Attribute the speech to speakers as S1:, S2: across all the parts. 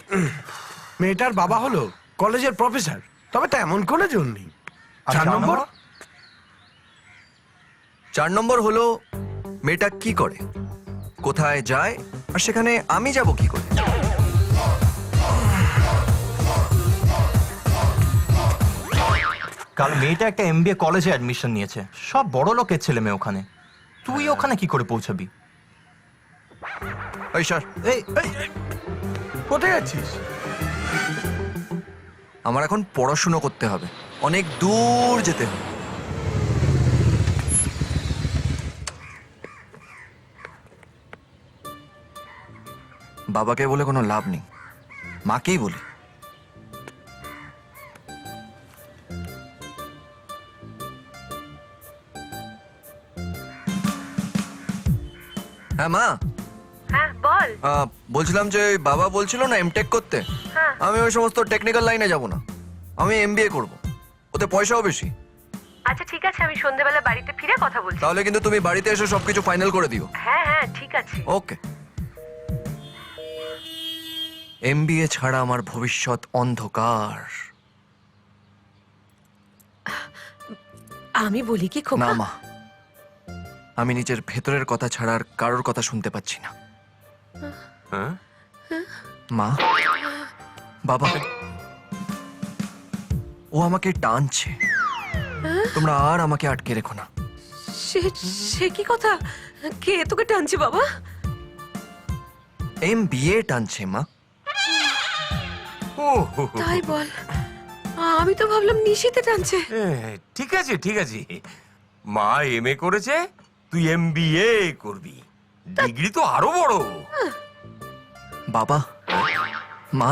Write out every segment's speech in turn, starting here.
S1: মেয়েটার বাবা হলো কলেজের প্রফেসর, তবে তেমন কোনো জোর নেই। 4 নম্বর?
S2: 4 নম্বর হলো মেয়েটা কি করে, কোথায় যায়, আর সেখানে আমি যাব কি করে?
S3: কাল মেয়েটা একটা এমবিএ কলেজে অ্যাডমিশন নিয়েছে, সব বড় লোকের ছেলে মেয়ে ওখানে। তুই ওখানে কি করে পৌঁছাবি?
S2: ওই স্যার,
S1: এই কোথায় যাচ্ছিস?
S2: আমার এখন পড়াশুনো করতে হবে, অনেক দূর যেতে হবে। বাবাকে বলে কোনো লাভ নেই, মাকেই বলি। হ্যাঁ মা।
S4: হ্যাঁ বল।
S2: বলছিলাম যে ওই বাবা বলছিল না এমটেক করতে,
S4: হ্যাঁ।
S2: আমি ওই সমস্ত টেকনিক্যাল লাইনে যাব না, আমি এমবিএ করব, ওতে পয়সাও বেশি।
S4: আচ্ছা ঠিক আছে, আমি সন্ধ্যেবেলা বাড়িতে ফিরে কথা বলছি।
S2: তাহলে কিন্তু তুমি বাড়িতে এসে সবকিছু ফাইনাল করে দিও।
S4: হ্যাঁ হ্যাঁ ঠিক আছে।
S2: ওকে। এমবিএ ছাড়া আমার ভবিষ্যৎ অন্ধকার।
S4: আমি বলি কি
S2: না
S4: খোকা?
S2: মা, আমি নিজের ভেতরের কথা ছাড়া আর কারোর কথা শুনতে পাচ্ছি না। মা, বাবা, ও আমাকে টানছে, তোমরা আর আমাকে আটকে রেখো না।
S4: সে সে কি কথা? কে তোকে টানছে বাবা?
S2: এমবিএ টানছে মা।
S5: ও হো, হো।
S4: তাই বল, আমি তো ভাবলাম নিশিতে টানছে।
S5: ঠিক আছে ঠিক আছে, মা এমএ করেছে, তুই এমবিএ করবি, ডিগ্রি তো আরো বড়।
S2: বাবা, মা,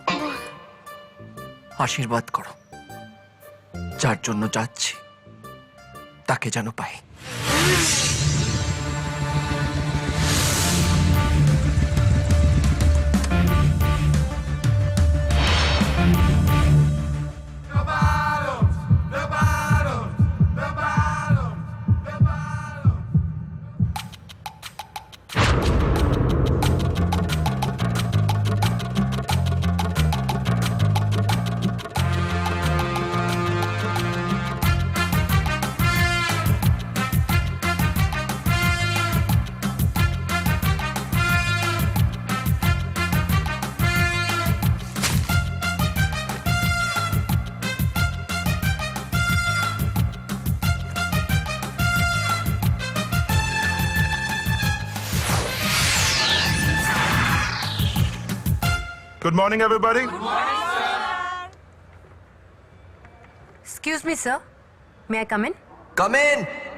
S2: আশীর্বাদ করো, যার জন্য যাচ্ছি তাকে যেন পাই।
S6: Good morning, everybody.
S4: Excuse me sir, may I come in?
S2: Come in.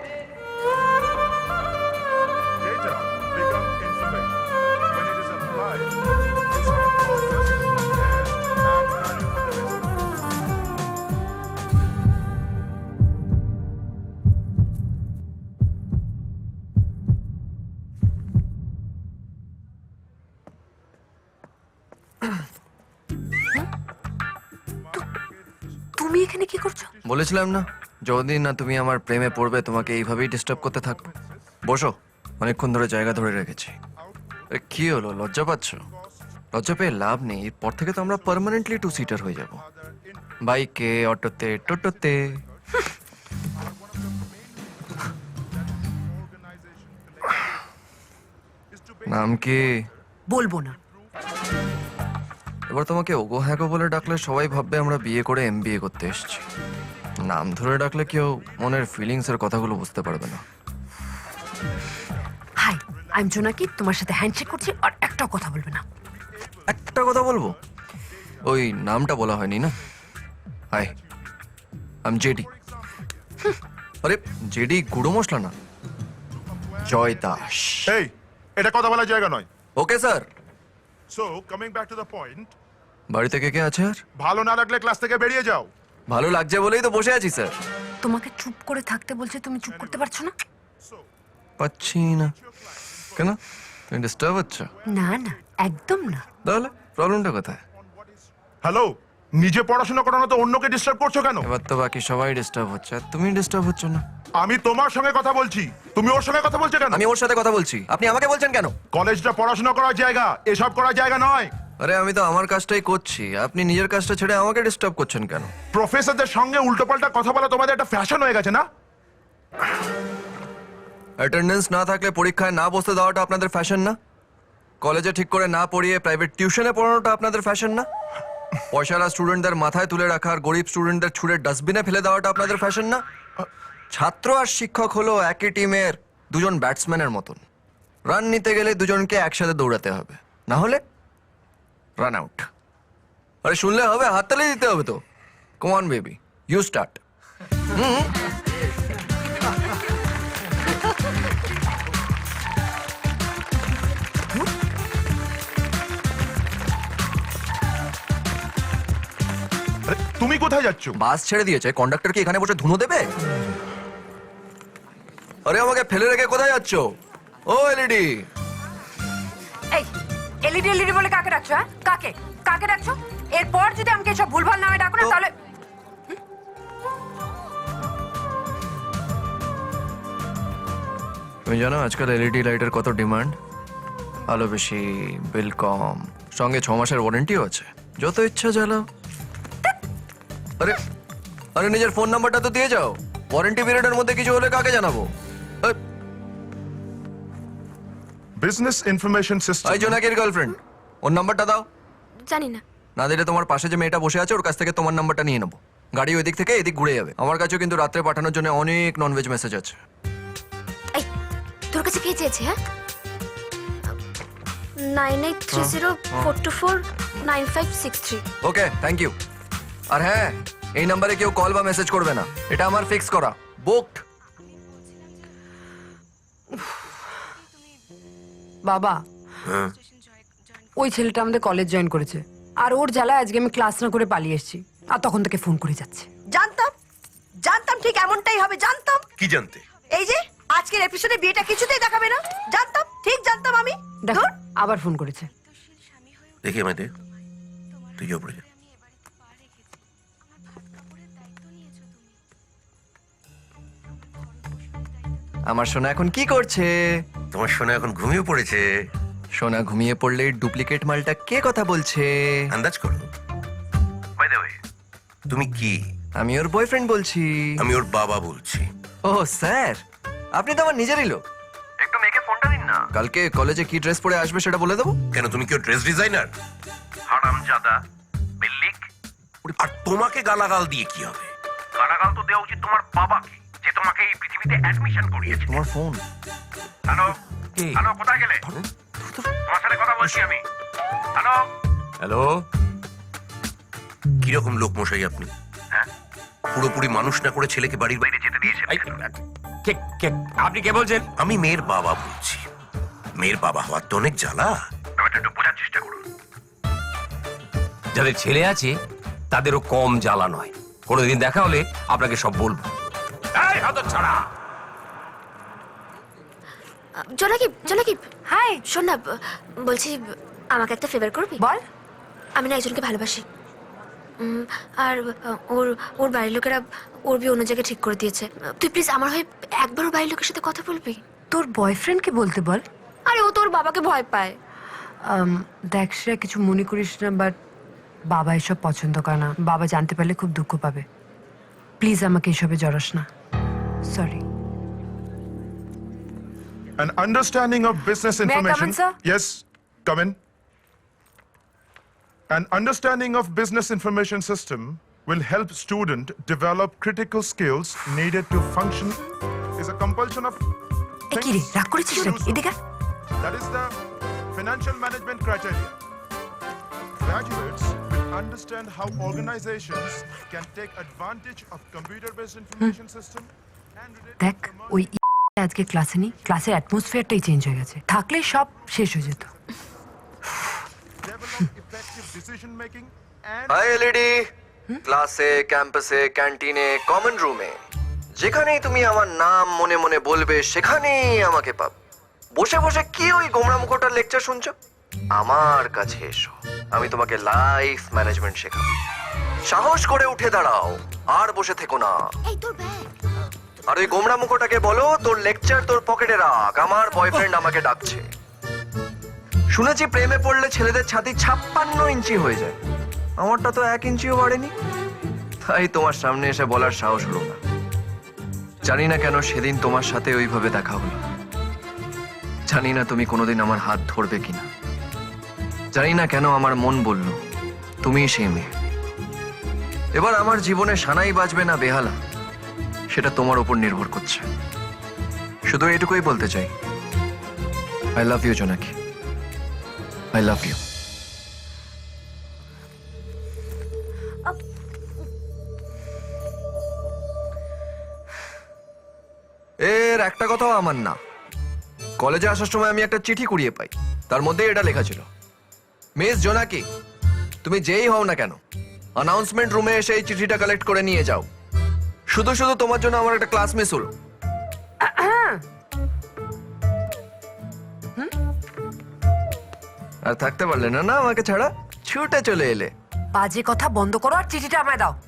S6: Data become information. When it is applied, it's not processed and manipulated.
S4: তুমি এখানে কি করছো?
S2: বলেছিলাম না, যতদিন না তুমি আমার প্রেমে পড়বে তোমাকে এইভাবেই ডিস্টার্ব করতে থাকবো। বসো, অনেকক্ষণ ধরে জায়গা ধরে রেখেছি। এ, কি হলো, লজ্জা পাচ্ছ? লজ্জা পেয়ে লাভ নেই, এরপর থেকে তো আমরা পার্মানেন্টলি 2 সিটার হয়ে যাব, বাইকে, অটোতে, টোটোতে। নাম কি?
S4: বলবো না।
S2: এবার তোমাকে ওগো হ্যাগো বলে ডাকলে সবাই ভাববে আমরা বিয়ে করে এমবিএ করতে এসেছি। নাম ধরে ডাকলে কেউ মনের ফিলিংস এর কথাগুলো বুঝতে পারবে না।
S4: হাই, আই এম জোনাকি, তোমার সাথে হ্যান্ডশেক করছি আর একটাও কথা বলবে না।
S2: একটা কথা বলবো, ওই নামটা বলা হয়নি না। Hi, I am JD. আরে জেডি গুঁড়ো মশলা না, জয় দাস।
S6: Hey, এটা কথা বলার জায়গা নয়।
S2: Okay sir.
S6: So, coming back to the point,
S2: বাড়িতে কে কে আছে আর?
S6: ভালো না লাগলে ক্লাস থেকে বেরিয়ে যাও।
S2: ভালো লাগছে বলেই তো বসে আছি স্যার।
S4: তোমাকে চুপ করে থাকতে বলছে, তুমি চুপ করতে পারছো না?
S2: পাচ্ছি না কেন? তুমি ডিস্টার্ব হচ্ছ?
S4: না না, একদম না।
S2: তাহলে প্রবলেমটা কোথায়?
S6: হ্যালো, নিজে পড়াশোনা করো না তো অন্যকে ডিস্টার্ব করছো কেন?
S2: এবার তো বাকি সবাই ডিস্টার্ব হচ্ছে আর তুমি ডিস্টার্ব হচ্ছ না।
S6: আমি তোমার সঙ্গে কথা বলছি, তুমি ওর সঙ্গে কথা বলছো কেন?
S2: আমি ওর সাথে কথা বলছি, আপনি আমাকে বলছেন কেন?
S6: কলেজটা পড়াশোনা করার জায়গা, এসব করার জায়গা নয়।
S2: আরে আমি তো আমার কাজটাই করছি, আপনি নিজের কাজটা ছেড়ে আমাকে ডিস্টার্ব করছেন কেন?
S6: প্রফেসরদের সঙ্গে উল্টোপাল্টা কথা বলা তোমাদের একটা ফ্যাশন হয়ে গেছে না?
S2: অ্যাটেন্ডেন্স না থাকলে পরীক্ষায় না বসতে দেওয়াটা আপনাদের ফ্যাশন না? কলেজে ঠিক করে না পড়িয়ে প্রাইভেট টিউশনে পড়ানোটা আপনাদের ফ্যাশন না? পয়সারা স্টুডেন্টদের মাথায় তুলে রাখার, গরিব স্টুডেন্টদের ছুঁড়ে ডাস্টবিনে ফেলে দেওয়াটা আপনাদের ফ্যাশন না? ছাত্র আর শিক্ষক হলো একই টিমের দুজন ব্যাটসম্যানের মতন। রান নিতে গেলে দুজনকে একসাথে দৌড়াতে হবে, না হলে রান আউট। আরে শুনলে হবে, হাততালি দিতে হবে তো। Come on baby, you start.
S6: আরে, তুমি কোথায় যাচ্ছ?
S2: বাস ছেড়ে দিয়েছে, কন্ডাক্টর কি এখানে বসে ধুনো দেবে? আরে আমাকে ফেলে রেখে কোথায় যাচ্ছ? ও এলইডি,
S4: এই এলইডি এলইডি বলে কাকে ডাকছো? হ্যাঁ, কাকে কাকে ডাকছো? এরপর যদি আমাকে সব ভুলভাল নামে ডাকো না তাহলে
S2: তুমি জানো আজকাল এলইডি লাইটের কত ডিমান্ড? আলো বেশি, বিল কম, সঙ্গে 6 মাসের ওয়ারেন্টিও আছে। যত ইচ্ছা জ্বালাও। আরে আরে নিজের ফোন নাম্বারটা তো দিয়ে যাও, ওয়ারেন্টি পিরিয়ডের মধ্যে কিছু হলে কাকে জানাবো?
S6: Business information system.
S2: এই জোনাকির গার্লফ্রেন্ড, ওর নাম্বারটা দাও।
S7: জানি না।
S2: না দিলে তোমার পাশে যে মেয়েটা বসে আছে ওর কাছ থেকে তোমার নাম্বারটা নিয়ে নেবো। গাড়ি ওই দিক থেকে এদিক ঘুরে যাবে। আমার কাছেও কিন্তু রাত্রে পাঠানোর জন্য অনেক ননভেজ মেসেজ আছে।
S7: এই তোর কাছে কে চেয়েছে? হ্যাঁ 983042495563।
S2: ওকে, থ্যাংক ইউ। আর হ্যাঁ, এই নাম্বারে কেউ কল বা মেসেজ করবে না, এটা আমার ফিক্স করা, বুকড।
S4: বাবা, ওই ছেলেটা আমাদের কলেজ জয়েন করেছে, আর ওর জ্বালায় আজকে আমি ক্লাস না করে পালিয়ে এসেছি, আর তখন থেকে ফোন করে যাচ্ছে।
S8: জানতাম জানতাম ঠিক এমনটাই হবে, জানতাম।
S5: কি জানতে?
S8: এই যে আজকের এপিসোডে বিয়েটা কিছুতেই দেখাবে না, জানতাম, ঠিক জানতাম আমি।
S4: দেখো
S8: ধুর।
S4: আবার ফোন করেছে।
S5: দেখি আমায় দে, তুই ওপরে যা।
S2: আমার সোনা এখন কি করছে?
S5: তোমার সোনা এখন ঘুমিয়ে পড়েছে।
S2: সোনা ঘুমিয়ে পড়লে ডুপ্লিকেট মালটা কে কথা বলছে?
S5: আন্দাজ করো। বাই দ্য ওয়ে, তুমি কি?
S2: আমি ওর বয়ফ্রেন্ড বলছি।
S5: আমি ওর বাবা বলছি।
S2: ও স্যার, আপনি তো আমার নিজেরই লোক। একটু মেয়েকে ফোনটা দিন না। কালকে কলেজে কি ড্রেস পরে আসবে সেটা বলে দেবো।
S5: কেন, তুমি কি ওর ড্রেস ডিজাইনার? হারামজাদা, বিল্লিক। আর তোমাকে গালাগাল দিয়ে কি হবে? গালাগাল তো দেওয়া উচিত তোমার বাবাকে, যে তোমাকে এই পৃথিবীতে অ্যাডমিশন করিয়েছে।
S2: তোমার ফোন।
S5: হ্যালো হ্যালো, কোথায় গেলে? তোমার সাথে কথা বলছি আমি। Hello hello. কিরকম লোক মশাই আপনি? হ্যাঁ, পুরোপুরি মানুষ না করে ছেলেকে বাড়ির বাইরে যেতে দিয়েছেন। আপনি কে বলছেন? আমি মেয়ের বাবা বলছি। মেয়ের বাবা হওয়ার তো অনেক জ্বালা, ব্যাপারটা একটু বোঝার চেষ্টা করুন।
S9: যাদের ছেলে আছে তাদেরও কম জ্বালা নয়। কোনোদিন দেখা হলে আপনাকে সব বলবো।
S5: এই হতচ্ছাড়া!
S7: জোনাকি জোনাকি,
S4: হাই,
S7: শোন না, বলছি আমাকে একটা ফেভার করবি?
S4: বল।
S7: আমি না একজনকে ভালোবাসি, আর ওর ওর বাড়ির লোকেরা ওর বিয়ে অন্য জায়গায় ঠিক করে দিয়েছে। তুই প্লিজ আমার হয়ে একবার ওর বাড়ির লোকের সাথে কথা বলবি?
S4: তোর বয়ফ্রেন্ডকে বলতে বল।
S7: আরে ও তোর বাবাকে ভয় পায়।
S4: দেখ শ্রেয়া, কিছু মনে করিস না, বাট বাবা এসব পছন্দ করে না। বাবা জানতে পারলে খুব দুঃখ পাবে। প্লিজ আমাকে এসবে জড়াস না, sorry.
S6: An understanding of business
S4: May I come
S6: information.
S4: in, sir?
S6: Yes, come in. An understanding of business information system will help student develop critical skills needed to function. Is a compulsion of
S4: এ কি রে, রাগ করেছিস নাকি? এদিকে আয়।
S6: That is the financial management criteria. Graduates will understand how organizations can take advantage of computer-based information system and related
S4: দেখ, ওই আজকে ক্লাসে নেই, ক্লাসের অ্যাটমসফিয়ারটাই চেঞ্জ হয়ে গেছে। থাকলে সব শেষ হয়ে যেত।
S6: develop effective decision making and
S2: hi LED. ক্লাসে, ক্যাম্পাসে, ক্যান্টিনে, কমন রুমে, যেখানেই তুমি আমার নাম মনে মনে বলবে সেখানেই আমাকে পাবে। বসে বসে কি ওই গোমরা মুখোটার লেকচার শুনছো? আমার কাছে এসো, আমি তোমাকে লাইফ ম্যানেজমেন্ট শেখাবো। সাহস করে উঠে দাঁড়াও, আর বসে থেকো না।
S7: এই তোর ব্যাগ।
S2: আর ওই গোমরা মুখোটাকে বলো তোর লেকচার তোর পকেটে রাখ, আমার বয়ফ্রেন্ড আমাকে ডাকছে। শুনেছি প্রেমে পড়লে ছেলেদের ছাতি 56 ইঞ্চি হয়ে যায়, আমারটা তো 1 ইঞ্চিও বাড়েনি। তাই তোমার সামনে এসে বলার সাহস হলো না। জানি না কেন সেদিন তোমার সাথে ওইভাবে দেখা হলো। জানি না তুমি কোনোদিন আমার হাত ধরবে কিনা। জানি না কেন আমার মন বলল তুমিই সেই মেয়ে। এবার আমার জীবনে সানাই বাজবে না বেহালা, সেটা তোমার উপর নির্ভর করছে। শুধু এটুকুই বলতে চাই, I love you Jonaki, I love you. এর একটা কথাও আমার না। কলেজে আসার সময় আমি একটা চিঠি কুড়িয়ে পাই, তার মধ্যে এটা লেখা ছিল, মিস জোনাকি তুমি যেই হও না কেন অ্যানাউন্সমেন্ট রুমে এসে এই চিঠিটা কালেক্ট করে নিয়ে যাও। শুধু শুধু তোমার জন্য আমার একটা ক্লাস মিস হলো। আর থাকতে পারলে না না আমাকে ছাড়া, ছুটে চলে এলে।
S4: বাজে কথা বন্ধ করো আর চিঠিটা আমায় দাও।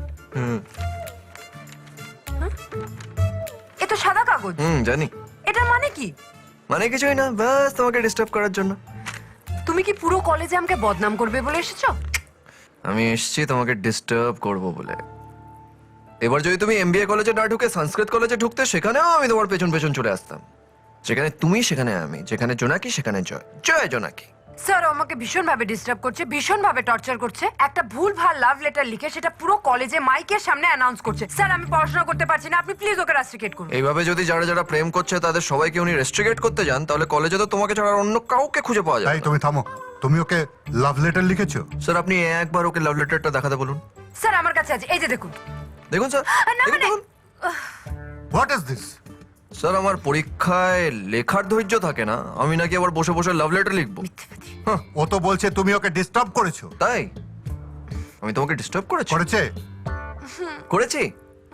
S4: এ তো সাদা কাগজ।
S2: জানি।
S4: এটা মানে কি?
S2: মানে কিছুই না, বাস তোমাকে ডিস্টার্ব করার জন্য।
S4: তুমি কি পুরো কলেজে আমাকে বদনাম করবে বলে এসেছো?
S2: আমি এসেছি তোমাকে ডিস্টার্ব করব বলে। এবার যদি তুমি এমবিএ কলেজে না ঢুকে সংস্কৃত কলেজে ঢুকতে, সেখানেও আমি তোমার পেছন পেছন চলে আসতাম। যেখানে তুমি সেখানে আমি, যেখানে জোনাকি সেখানে জয়। জয় জোনাকি।
S4: স্যার আমাকে ভীষণ ভাবে ডিস্টার্ব করছে, ভীষণ ভাবে টর্চার করছে। একটা ভুল ভাল লাভ লেটার লিখে সেটা পুরো কলেজে মাইকের সামনে অ্যানাউন্স করছে। স্যার আমি পড়াশোনা করতে পারছি না, আপনি প্লিজ ওকে রেস্ট্রিক্ট করুন।
S2: এইভাবে যদি যারা যারা প্রেম করছে তাদের সবাইকে উনি রেস্ট্রিকেট করতে যান, তাহলে কলেজে তো তোমাকে ছাড়া আর অন্য কাউকে খুঁজে পাওয়া যায়
S6: তাই
S2: না।
S6: তুমি থামো। তুমি ওকে লাভ লেটার লিখেছো?
S2: স্যার আপনি একবার ওকে লাভ লেটারটা দেখাতে বলুন।
S4: স্যার আমার কাছে আছে, এই যে দেখুন।
S2: দেখুন স্যার,
S4: না মানে
S2: দেখুন।
S6: What is this?
S2: স্যার আমার পরীক্ষায় লেখার ধৈর্য থাকে না, আমি নাকি আবার বসে বসে লাভ লেটার লিখবো?
S6: ও তো বলছে তুমি ওকে ডিস্টার্ব করেছো।
S2: তাই আমি তোমাকে ডিস্টার্ব করেছি? করেছি?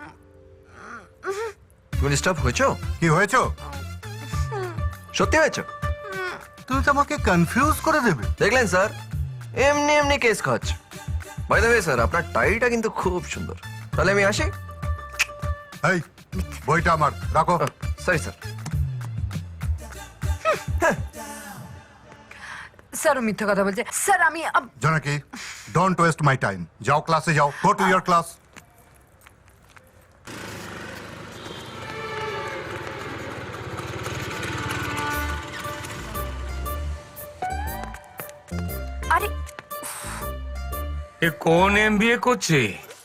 S2: তুমি ডিস্টার্ব হয়েছো?
S6: কি হয়েছো?
S2: সত্যি হয়েছো?
S6: তুমি তো আমাকে কনফিউজ করে দেবে।
S2: দেখলেন স্যার, এমনি এমনি কেস খাচ্ছে। বাই দ্য ওয়ে স্যার, আপনার টাইটা কিন্তু খুব সুন্দর। তাহলে আমি আসি।
S6: এই বইটা আমার রাখো।
S2: Sorry sir.
S4: স্যার ও মিথ্যা কথা বলছে। স্যার আমি
S6: জোনাকি, ডোন্ট ওয়েস্ট মাই টাইম। যাও ক্লাসে যাও, গো টু ইয়োর ক্লাস।
S4: আরে
S9: এ কোন এমবিএ করছে?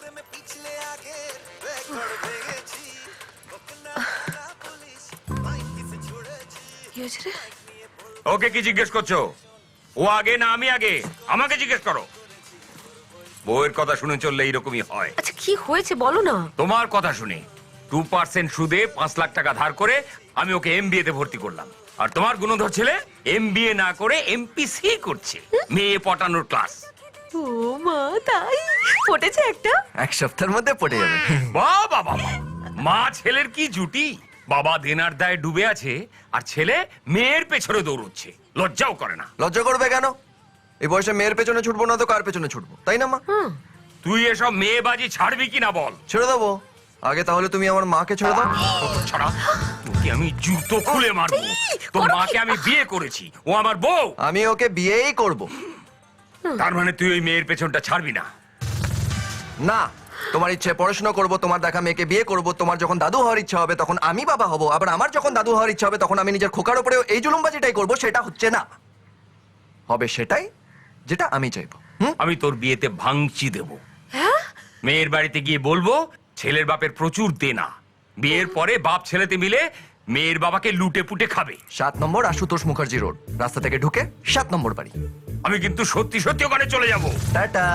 S7: কি হয়েছে রে?
S9: ওকে কি জিজ্ঞেস করছো? ও আগে না আমি আগে? আমাকে জিজ্ঞেস করো। বউয়ের কথা শুনে চললে এইরকমই হয়।
S7: আচ্ছা কি হয়েছে বলো না।
S9: তোমার কথা শুনে 2% সুদে 5 লাখ টাকা ধার করে আমি ওকে এমবিএ তে ভর্তি করলাম। আর তোমার গুণধর ছেলে এমবিএ না করে এমপিসি করছে, মেয়ে পটানোর ক্লাস।
S7: ও মা, তাই ফুটেছে একটা?
S2: এক সপ্তাহের মধ্যে পড়ে যাবে।
S9: বাহ বাহ বাহ, মা ছেলের কি জুটি! বাবা দেনার দায়ে ডুবে আছে আর ছেলে মেয়ের পেছনে দৌড়চ্ছে, লজ্জাও করে না।
S2: লজ্জা করবে কেন? এই বয়সে মেয়ের পেছনে ছুটবো না তো কার পেছনে ছুটবো, তাই না মা?
S9: তুই এসব মেয়েবাজি ছাড়বি কিনা বল।
S2: ছেড়ে দেবো। আগে তাহলে তুমি আমার মাকে ছেড়ে দাও।
S9: ছাড়া তোকে আমি জুতো খুলে মারবো। তোর মাকে আমি বিয়ে করেছি, ও আমার বউ।
S2: আমি ওকে বিয়েই করব।
S9: তার মানে তুই ওই মেয়ের পেছনটা ছাড়বি না?
S2: না, তোমার ইচ্ছে পড়াশোনা করব, তোমার দেখা মেয়েকে বিয়ে করব। তোমার যখন দাদু হওয়ার ইচ্ছা হবে তখন আমি বাবা হব, আবার আমার যখন দাদু হওয়ার ইচ্ছা হবে তখন আমি নিজের খোকার উপরেও এই জুলুমবাজিটাই করব। সেটা হচ্ছে না, হবে সেটাই যেটা আমি চাইবো।
S9: আমি তোর বিয়েতে ভাঙচি দেব। মেয়ের বাড়িতে গিয়ে বলবো ছেলের বাপের প্রচুর দেনা, বিয়ের পরে বাপ ছেলেতে মিলে মেয়ের বাবাকে লুটে পুটে খাবে।
S2: 7 নম্বর আশুতোষ মুখার্জি রোড, রাস্তা থেকে ঢুকে 7 নম্বর বাড়ি।
S9: আমি কিন্তু সত্যি সত্যি ওখানে চলে যাব।
S2: টাটা।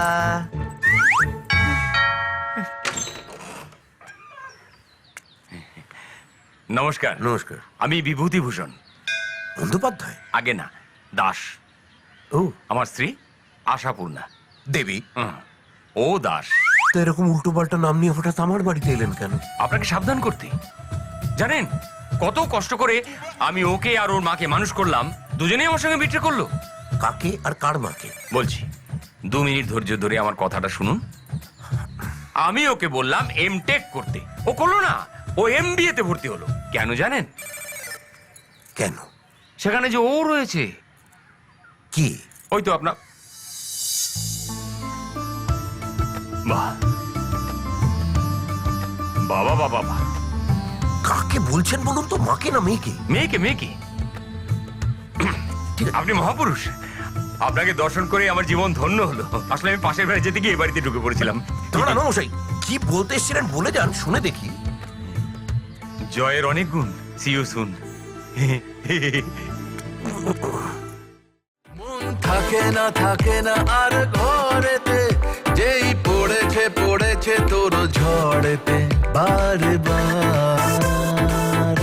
S9: নমস্কার।
S5: নমস্কার।
S9: আমি বিভূতিভূষণ
S5: বন্দ্যোপাধ্যায়?
S9: আগে না, দাস।
S5: ও,
S9: আমার স্ত্রী আশাপূর্ণা
S5: দেবী।
S9: ও দাস।
S5: তো এরকম উল্টো পাল্টা নাম নিয়ে হঠাৎ আমার বাড়িতে এলেন কেন?
S9: আপনাকে সাবধান করতে। জানেন কত কষ্ট করে আমি ওকে আর ওর মাকে মানুষ করলাম, দুজনেই আমার সঙ্গে বিট্রে করলো।
S5: কাকে আর কার মাকে?
S9: বলছি 2 মিনিট ধৈর্য ধরে আমার কথাটা শুনুন। আমি ওকে বললাম এমটেক করতে, ও করলো না, ও এমবিএ তে ভর্তি হলো। কেন জানেন?
S5: কেন?
S9: সেখানে যে ও রয়েছে।
S5: কি?
S9: ওই তো আপনার বাহ, বাবা বাবা বাহ,
S5: কাকে বলছেন বলুন তো, মাকে না মেয়েকে?
S9: মেয়েকে মেয়েকে। আপনি মহাপুরুষ, আপনাকে দর্শন করে আমার জীবন ধন্য হলো। আসলে আমি পাশের বাড়ি যেতে গিয়ে এই বাড়িতে ঢুকে পড়েছিলাম।
S5: না না মশাই, কি বলতে এসেছিলেন বলে যান, শুনে দেখি।
S9: জয়ের অনেক গুণ। See you soon.
S10: থাকে না আর ঘরেতে, যেই পড়েছে তোর ঝড়েতে বারে বার